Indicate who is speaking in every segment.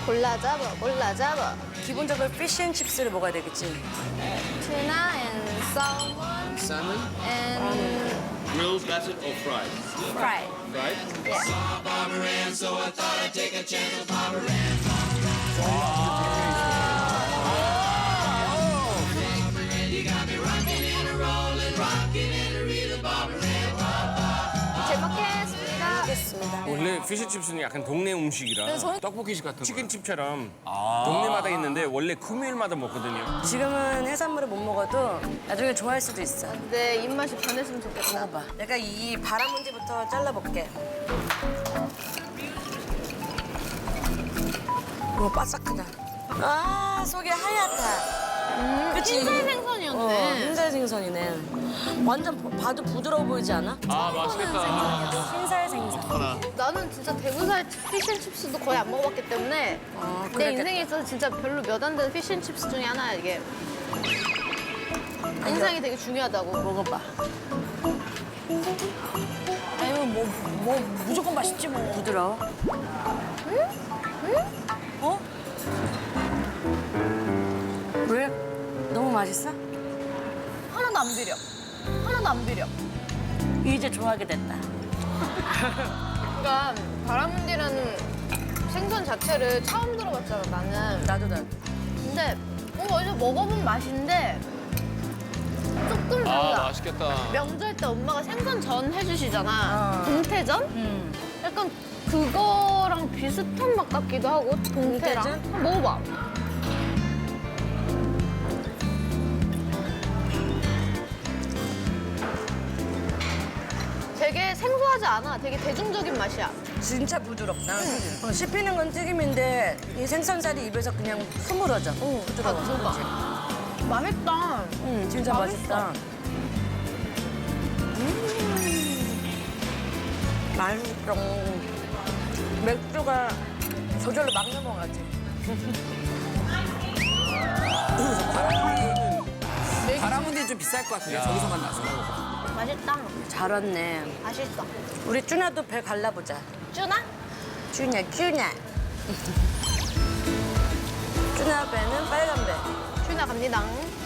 Speaker 1: 골라 잡아, 골라 잡아.
Speaker 2: 기본적으로 피쉬앤칩스를 먹어야 되겠지.
Speaker 1: Tuna and salmon
Speaker 3: Salmon,
Speaker 1: and
Speaker 3: grilled, battered, or fried?
Speaker 1: fried.
Speaker 3: Fried?
Speaker 1: 잘 먹겠습니다.
Speaker 2: 알겠습니다.
Speaker 4: 원래 피쉬칩스는 약간 동네 음식이라
Speaker 1: 저는-
Speaker 4: 떡볶이식 같은 거 치킨집처럼 동네마다 있는데 원래 금요일마다 먹거든요.
Speaker 2: 지금은 해산물을 못 먹어도 나중에 좋아할 수도 있어.
Speaker 1: 내 입맛이 변했으면 좋겠다.
Speaker 2: 먹어봐. 내가 이 바라문디부터 잘라볼게. 이거 바삭하다. 아, 속이 하얗다. 그치?
Speaker 1: 흰살 생선이었네.
Speaker 2: 흰살 생선이네. 완전 봐도 부드러워 보이지 않아?
Speaker 4: 아 맛있겠다.
Speaker 2: 흰살 생선.
Speaker 1: 나는 진짜 대구살 피쉬앤칩스도 거의 안 먹어봤기 때문에 내
Speaker 2: 그랬겠다.
Speaker 1: 인생에 있어서 진짜 별로 몇 안 되는 피쉬앤칩스 중에 하나야 이게. 인상이 되게 중요하다고.
Speaker 2: 먹어봐.
Speaker 5: 아니면 뭐 무조건 맛있지 뭐.
Speaker 2: 부드러워. 어? 왜? 너무 맛있어?
Speaker 5: 하나도 안 비려. 하나도 안 비려.
Speaker 2: 이제 좋아하게 됐다.
Speaker 1: 그러니까 바라문디라는 생선 자체를 처음 들어봤잖아 나는.
Speaker 2: 나도.
Speaker 1: 근데 어디서 먹어본 맛인데 조금 달라.
Speaker 4: 맛있겠다.
Speaker 1: 명절 때 엄마가 생선전 해주시잖아. 동태전? 약간 그거랑 비슷한 맛 같기도 하고 동태랑.
Speaker 2: 동태전?
Speaker 1: 한번 먹어봐. 되게 생소하지 않아. 되게 대중적인 맛이야.
Speaker 2: 진짜 부드럽다. 씹히는 건 튀김인데 이 생선살이 입에서 그냥 흐물어져. 부드러워. 그치?
Speaker 1: 맛있다.
Speaker 2: 진짜 맛있다. 맛있어. 맥주가 저절로 막 넘어가지.
Speaker 6: 바라문디는 좀 비쌀 것 같은데 저기서 만나서.
Speaker 1: 맛있다.
Speaker 2: 잘 왔네.
Speaker 1: 맛있어.
Speaker 2: 우리 쭈나도 배 갈라보자.
Speaker 1: 쭈나?
Speaker 2: 쭈냐. 쭈나 배는 빨간 배.
Speaker 1: 쭈나 갑니다.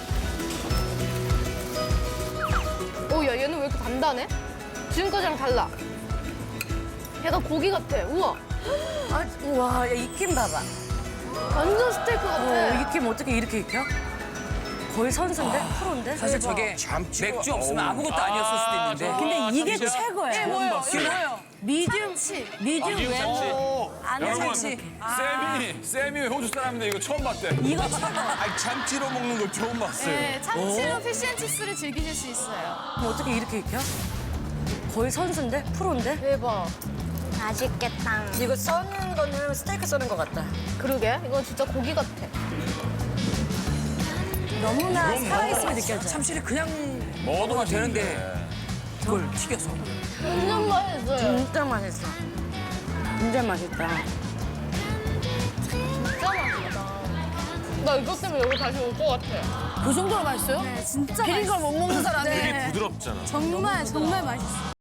Speaker 1: 오, 야, 얘는 왜 이렇게 단단해? 지금까지랑 달라. 얘가 고기 같아. 우와.
Speaker 2: 아, 우와, 야, 익힘 봐봐.
Speaker 1: 완전 스테이크 같아.
Speaker 2: 익힘 어떻게 이렇게 익혀? 거의 선수인데? 프로인데?
Speaker 6: 사실 저게 맥주 없으면 아무것도 아니었을 수도 있는데.
Speaker 5: 근데 이게 최고야.
Speaker 1: 이게 뭐예요? 이게 뭐예요?
Speaker 5: 미디움 웨어.
Speaker 2: 안에 참치.
Speaker 4: 쌤이 호주 사람인데 이거 처음 봤대.
Speaker 5: 이거 최고.
Speaker 4: 아니 참치로 먹는 거 처음 봤어요.
Speaker 1: 네, 참치로 피쉬앤칩스를 즐기실 수 있어요.
Speaker 2: 그럼 어떻게 이렇게 익혀? 거의 선수인데? 프로인데?
Speaker 1: 대박. 맛있겠다.
Speaker 2: 이거 써는 거는 스테이크 써는 것 같다.
Speaker 1: 그러게. 이거 진짜 고기 같아.
Speaker 2: 너무나 살아있음이 느껴져.
Speaker 6: 참치를 그냥
Speaker 4: 먹어도
Speaker 6: 먹어도 되는데 그걸 튀겨서.
Speaker 1: 완전 맛있어요.
Speaker 2: 진짜 맛있어. 진짜 맛있다.
Speaker 1: 진짜 맛있다. 나 이것 때문에 여기 다시 올 것 같아.
Speaker 5: 그 정도로 맛있어요?
Speaker 1: 진짜
Speaker 5: 비린 걸 못 먹는 사람이.
Speaker 4: 되게 부드럽잖아.
Speaker 5: 정말 맛있어.